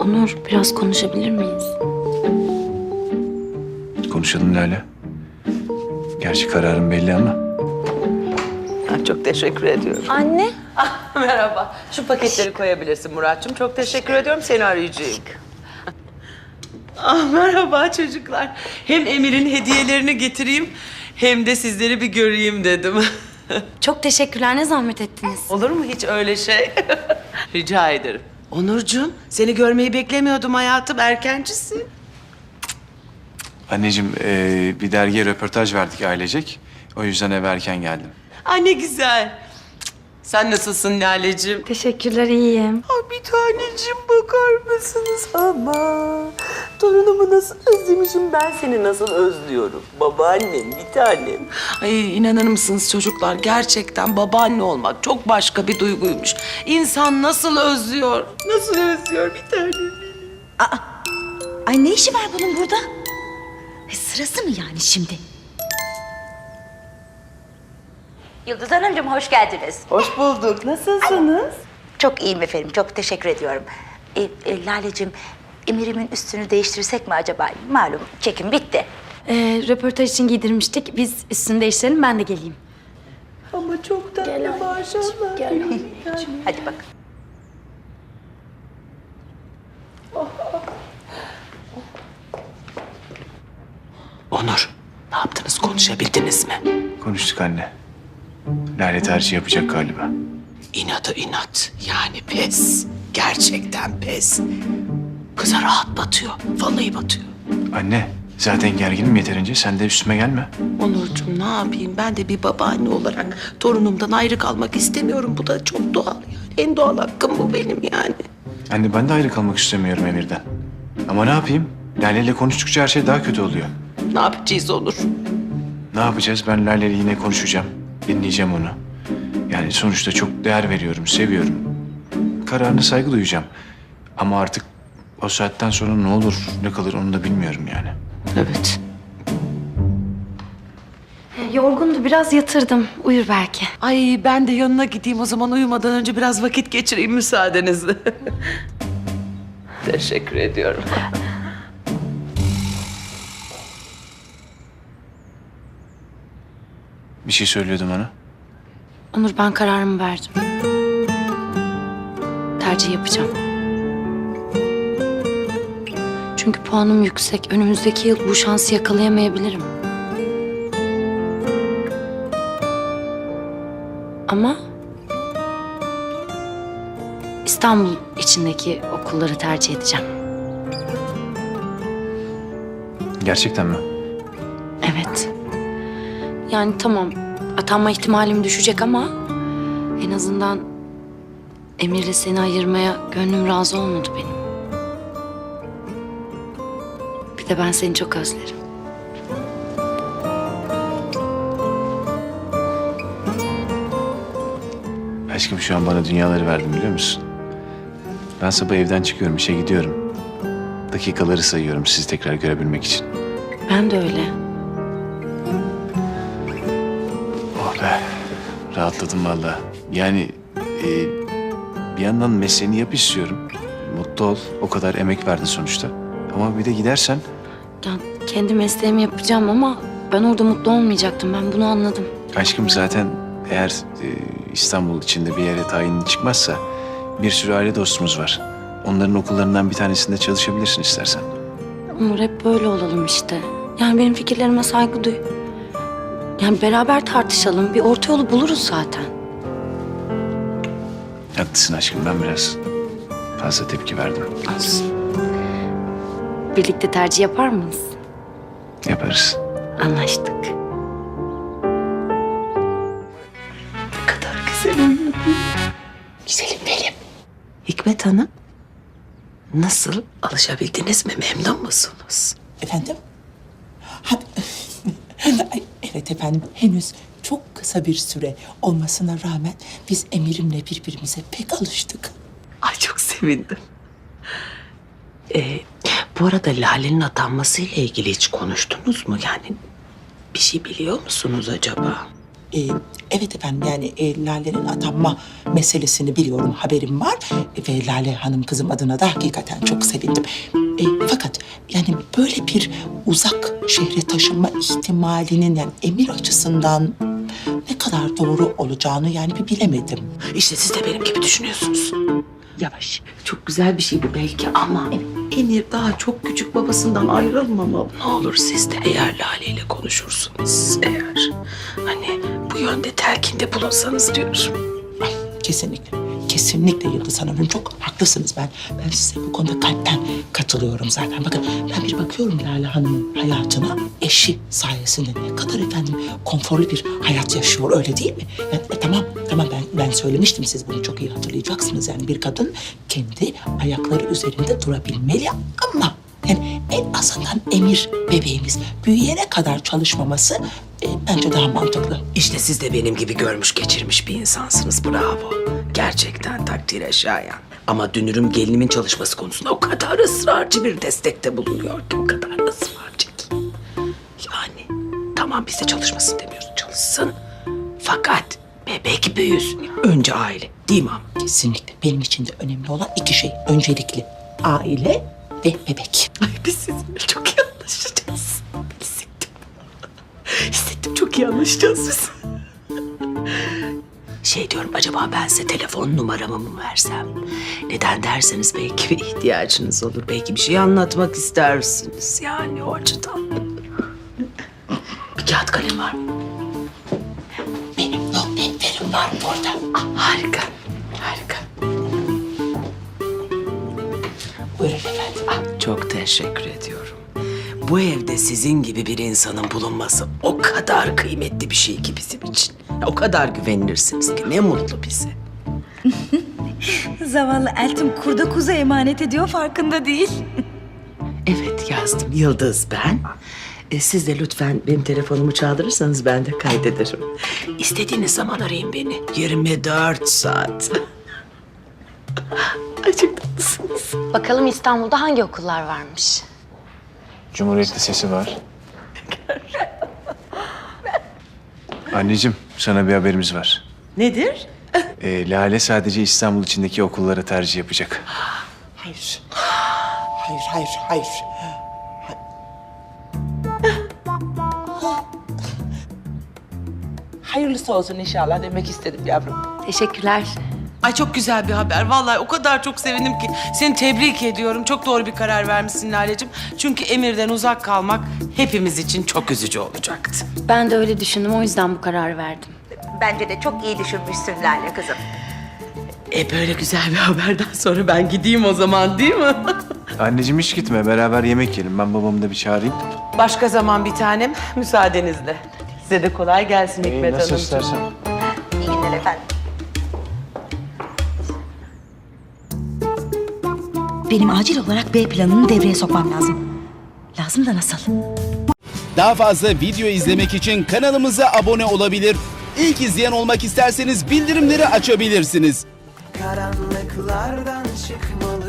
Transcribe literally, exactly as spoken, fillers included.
Onur, biraz konuşabilir miyiz? Konuşalım Lale. Gerçi kararım belli ama. Çok teşekkür ediyorum. Anne. Ah, merhaba. Şu paketleri koyabilirsin Muratçım. Çok teşekkür ediyorum. Seni arayacağım. Ah, merhaba çocuklar. Hem Emir'in hediyelerini getireyim hem de sizleri bir göreyim dedim. Çok teşekkürler. Ne zahmet ettiniz? Olur mu hiç öyle şey? Rica ederim. Onurcuğum, seni görmeyi beklemiyordum hayatım. Erkencisin. Anneciğim ee, bir dergiye röportaj verdik ailecek. O yüzden eve erken geldim. Ay ne güzel. Sen nasılsın Lale'cim? Teşekkürler, iyiyim. Ay bir taneciğim bakar mısınız ama? Torunumu nasıl özlemişim, ben seni nasıl özlüyorum. Babaannem, bir tanem. Ay inanır mısınız çocuklar, gerçekten babaanne olmak çok başka bir duyguymuş. İnsan nasıl özlüyor, nasıl özlüyor bir tanem benim. Ay ne işi var bunun burada? E, sırası mı yani şimdi? Yıldız Hanımcığım hoş geldiniz. Hoş bulduk, nasılsınız? Çok iyiyim efendim, çok teşekkür ediyorum. E, e, Laleciğim, Emir'imin üstünü değiştirsek mi acaba? Malum çekim bitti. Ee, röportaj için giydirmiştik. Biz üstünü değiştirelim, ben de geleyim. Ama çok tatlı maşallah. Gel. Hadi bak. Onur, ne yaptınız, konuşabildiniz mi? Konuştuk anne. Lale tercih yapacak galiba. İnadı inat. Yani pes. Gerçekten pes. Kıza rahat batıyor. Vallahi batıyor. Anne zaten gerginim yeterince. Sen de üstüme gelme. Onurcuğum ne yapayım? Ben de bir babaanne olarak torunumdan ayrı kalmak istemiyorum. Bu da çok doğal yani. En doğal hakkım bu benim yani. Anne ben de ayrı kalmak istemiyorum Emir'den. Ama ne yapayım? Lale ile konuştukça her şey daha kötü oluyor. Ne yapacağız Onur? Ne yapacağız? Ben Lale ile yine konuşacağım. Dinleyeceğim onu. Yani sonuçta çok değer veriyorum, seviyorum. Kararına saygı duyacağım. Ama artık o saatten sonra ne olur, ne kalır onu da bilmiyorum yani. Evet. Yorgundu, biraz yatırdım. Uyur belki. Ay ben de yanına gideyim o zaman, uyumadan önce biraz vakit geçireyim müsaadenizle. Teşekkür ediyorum. Bir şey söylüyordum ona. Onur, ben kararımı verdim. Tercih yapacağım. Çünkü puanım yüksek. Önümüzdeki yıl bu şansı yakalayamayabilirim. Ama İstanbul içindeki okulları tercih edeceğim. Gerçekten mi? Evet. Yani tamam, atanma ihtimalim düşecek ama en azından Emir'le seni ayırmaya gönlüm razı olmadı benim. Bir de ben seni çok özlerim. Aşkım şu an bana dünyaları verdin biliyor musun? Ben sabah evden çıkıyorum, işe gidiyorum. Dakikaları sayıyorum sizi tekrar görebilmek için. Ben de öyle. Oh be, rahatladım vallahi. Yani e, bir yandan mesleğini yap istiyorum. Mutlu ol, o kadar emek verdin sonuçta. Ama bir de gidersen Ya kendi mesleğimi yapacağım ama ben orada mutlu olmayacaktım. Ben bunu anladım. aşkım zaten eğer e, İstanbul içinde bir yere tayinin çıkmazsa bir sürü aile dostumuz var. Onların okullarından bir tanesinde çalışabilirsin istersen. Umur, hep böyle olalım işte. Yani benim fikirlerime saygı duy. Yani beraber tartışalım. Bir orta yolu buluruz zaten. Haklısın aşkım, ben biraz fazla tepki verdim. Olsun. Birlikte tercih yapar mıyız? Yaparız. Anlaştık. Ne kadar güzel uyudu. Güzelim benim. Hikmet Hanım, nasıl, alışabildiniz mi? Memnun musunuz? Efendim? Ha, Ay, evet efendim, henüz çok kısa bir süre olmasına rağmen biz Emir'imle birbirimize pek alıştık. Ay çok sevindim. Ee, bu arada Lale'nin atanması ile ilgili hiç konuştunuz mu? Yani bir şey biliyor musunuz acaba? e, evet efendim yani e, Lale'nin atanma meselesini biliyorum, haberim var. E, ve Lale Hanım kızım adına da hakikaten çok sevindim. E, fakat yani böyle bir uzak şehre taşınma ihtimalinin yani Emir açısından ne kadar doğru olacağını yani bir bilemedim. İşte siz de benim gibi düşünüyorsunuz. Yavaş. Çok güzel bir şey bu belki ama Emir daha çok küçük, babasından ayrılmamalı. Ne olur siz de eğer Lale ile konuşursunuz, eğer hani bu yönde telkinde bulunsanız diyorum. Ay, kesinlikle. Kesinlikle Yıldız Hanım'ın çok haklısınız. Ben ben size bu konuda kalpten katılıyorum zaten. Bakın ben bir bakıyorum Lale Hanım'ın hayatına. Eşi sayesinde ne kadar efendim konforlu bir hayat yaşıyor, öyle değil mi? Yani, e, tamam tamam ben ben söylemiştim, siz bunu çok iyi hatırlayacaksınız. Yani bir kadın kendi ayakları üzerinde durabilmeli ama yani en azından Emir bebeğimiz büyüyene kadar çalışmaması e, bence daha mantıklı. İşte siz de benim gibi görmüş geçirmiş bir insansınız. Bravo. Gerçekten takdire şayan. Ama dünürüm gelinimin çalışması konusunda o kadar ısrarcı bir destekte bulunuyor ki, o kadar ısrarcı ki. Yani tamam biz de çalışmasın demiyoruz, çalışsın. Fakat bebek büyüsün. Önce aile, değil mi ama? Kesinlikle. Benim için de önemli olan iki şey. Öncelikli aile ve bebek. Ay biz sizinle çok iyi anlaşacağız. Hissettim. Hissettim, çok iyi anlaşacağız biz. Şey diyorum, acaba ben size telefon numaramı mı versem? Neden derseniz belki bir ihtiyacınız olur. Belki bir şey anlatmak istersiniz. Yani o açıdan. Bir kağıt kalem var mı? Benim not defterim var burada. Ah, harika. Harika. Buyurun efendim. Ah, çok teşekkür ediyorum. Bu evde sizin gibi bir insanın bulunması o kadar kıymetli bir şey ki bizim için. O kadar güvenilirsiniz ki ne mutlu bize. Zavallı Eltim kurda kuza emanet ediyor, farkında değil. Evet yazdım. Yıldız ben. E, siz de lütfen benim telefonumu çaldırırsanız ben de kaydederim. İstediğiniz zaman arayın beni. yirmi dört saat. Ay çok tatlısınız. Bakalım İstanbul'da hangi okullar varmış? Cumhuriyet Lisesi var. Anneciğim, sana bir haberimiz var. Nedir? Ee, Lale sadece İstanbul içindeki okullara tercih yapacak. Hayır. Hayır, hayır, hayır. Hayırlısı olsun inşallah demek istedim yavrum. Teşekkürler. Ay çok güzel bir haber. Vallahi o kadar çok sevindim ki. Seni tebrik ediyorum. Çok doğru bir karar vermişsin Lale'cim. Çünkü Emir'den uzak kalmak hepimiz için çok üzücü olacaktı. Ben de öyle düşündüm, o yüzden bu kararı verdim. Bence de çok iyi düşünmüşsün Lale kızım. E böyle güzel bir haberden sonra ben gideyim o zaman, değil mi? Anneciğim hiç gitme, beraber yemek yiyelim. Ben babamı da bir çağırayım. Başka zaman bir tanem, müsaadenizle. Size de kolay gelsin Ee, Hikmet nasıl Hanımcığım. istersen. İyi günler efendim. Benim acil olarak B planını devreye sokmam lazım. Lazım da nasıl? Daha fazla video izlemek için kanalımıza abone olabilir. İlk izleyen olmak isterseniz bildirimleri açabilirsiniz. Karanlıklardan çıkmalı